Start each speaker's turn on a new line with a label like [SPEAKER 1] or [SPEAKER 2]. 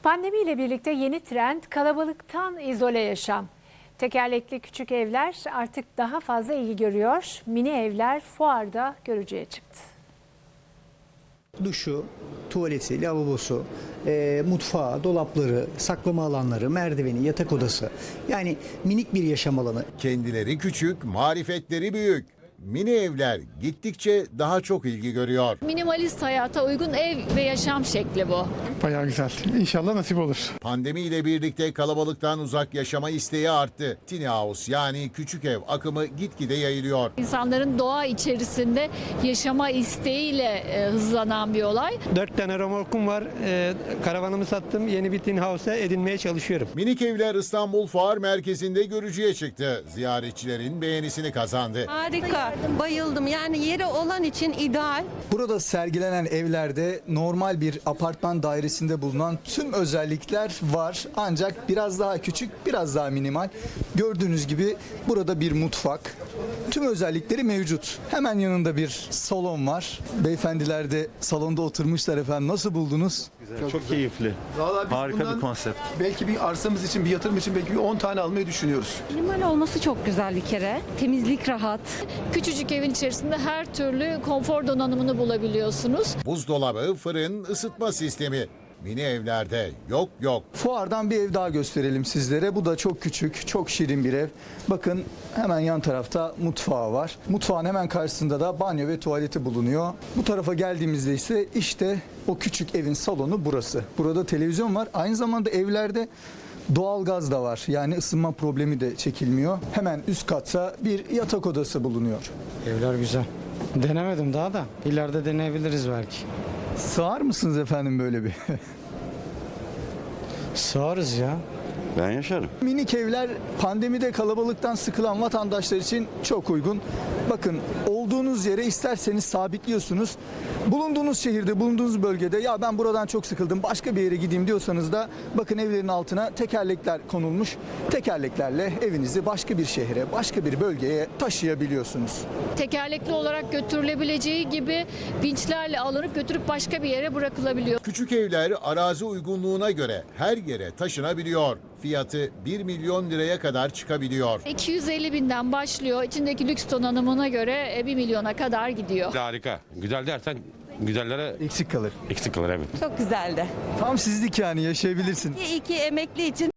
[SPEAKER 1] Pandemiyle birlikte yeni trend kalabalıktan izole yaşam. Tekerlekli küçük evler artık daha fazla ilgi görüyor. Mini evler fuarda görücüye çıktı.
[SPEAKER 2] Duşu, tuvaleti, lavabosu, mutfağı, dolapları, saklama alanları, merdiveni, yatak odası. Yani minik bir yaşam alanı.
[SPEAKER 3] Kendileri küçük, marifetleri büyük. Mini evler gittikçe daha çok ilgi görüyor.
[SPEAKER 4] Minimalist hayata uygun ev ve yaşam şekli bu.
[SPEAKER 5] Bayağı güzel. İnşallah nasip olur.
[SPEAKER 3] Pandemiyle birlikte kalabalıktan uzak yaşama isteği arttı. Tiny house yani küçük ev akımı gitgide yayılıyor.
[SPEAKER 4] İnsanların doğa içerisinde yaşama isteğiyle hızlanan bir olay.
[SPEAKER 6] 4 tane romorkum var. Karavanımı sattım. Yeni bir tin house'a edinmeye çalışıyorum.
[SPEAKER 3] Minik evler İstanbul Fuar Merkezi'nde görücüye çıktı. Ziyaretçilerin beğenisini kazandı.
[SPEAKER 7] Harika, bayıldım. Yani yeri olan için ideal.
[SPEAKER 2] Burada sergilenen evlerde normal bir apartman dairesinde bulunan tüm özellikler var. Ancak biraz daha küçük, biraz daha minimal. Gördüğünüz gibi burada bir mutfak. Tüm özellikleri mevcut. Hemen yanında bir salon var. Beyefendiler de salonda oturmuşlar efendim. Nasıl buldunuz?
[SPEAKER 8] Çok keyifli.
[SPEAKER 9] Vallahi biz
[SPEAKER 8] Harika
[SPEAKER 9] bundan
[SPEAKER 8] bir konsept.
[SPEAKER 9] belki bir arsamız için, bir yatırım için belki bir 10 tane almayı düşünüyoruz.
[SPEAKER 7] Minimal olması çok güzel bir kere. Temizlik rahat.
[SPEAKER 4] Küçücük evin içerisinde her türlü konfor donanımını bulabiliyorsunuz.
[SPEAKER 3] Buzdolabı, fırın, ısıtma sistemi. Mini evlerde yok.
[SPEAKER 2] Fuardan bir ev daha gösterelim sizlere. Bu da çok küçük, çok şirin bir ev. Bakın hemen yan tarafta mutfağı var. Mutfağın hemen karşısında da banyo ve tuvaleti bulunuyor. Bu tarafa geldiğimizde ise işte o küçük evin salonu burası. Burada televizyon var. Aynı zamanda evlerde doğalgaz da var. Yani ısınma problemi de çekilmiyor. Hemen üst katta bir yatak odası bulunuyor.
[SPEAKER 6] Evler güzel. Denemedim daha da. İleride deneyebiliriz belki.
[SPEAKER 2] Sığar mısınız efendim böyle bir?
[SPEAKER 6] Sığarız ya.
[SPEAKER 8] Ben yaşarım.
[SPEAKER 2] Minik evler pandemide kalabalıktan sıkılan vatandaşlar için çok uygun. Bakın olduğunuz yere isterseniz sabitliyorsunuz. Bulunduğunuz şehirde, bulunduğunuz bölgede ya ben buradan çok sıkıldım başka bir yere gideyim diyorsanız da bakın evlerin altına tekerlekler konulmuş. Tekerleklerle evinizi başka bir şehre, başka bir bölgeye taşıyabiliyorsunuz.
[SPEAKER 4] Tekerlekli olarak götürülebileceği gibi vinçlerle alınıp götürüp başka bir yere bırakılabiliyor.
[SPEAKER 3] Küçük evler arazi uygunluğuna göre her yere taşınabiliyor. Fiyatı 1 milyon liraya kadar çıkabiliyor.
[SPEAKER 4] 250 binden başlıyor. İçindeki lüks donanımına göre 1 milyona kadar gidiyor.
[SPEAKER 10] Harika. Güzel dersen güzellere
[SPEAKER 2] Eksik kalır.
[SPEAKER 10] eksik kalır evet.
[SPEAKER 7] Çok güzeldi.
[SPEAKER 2] Tam sizlik yani yaşayabilirsin.
[SPEAKER 7] İyi ki emekli için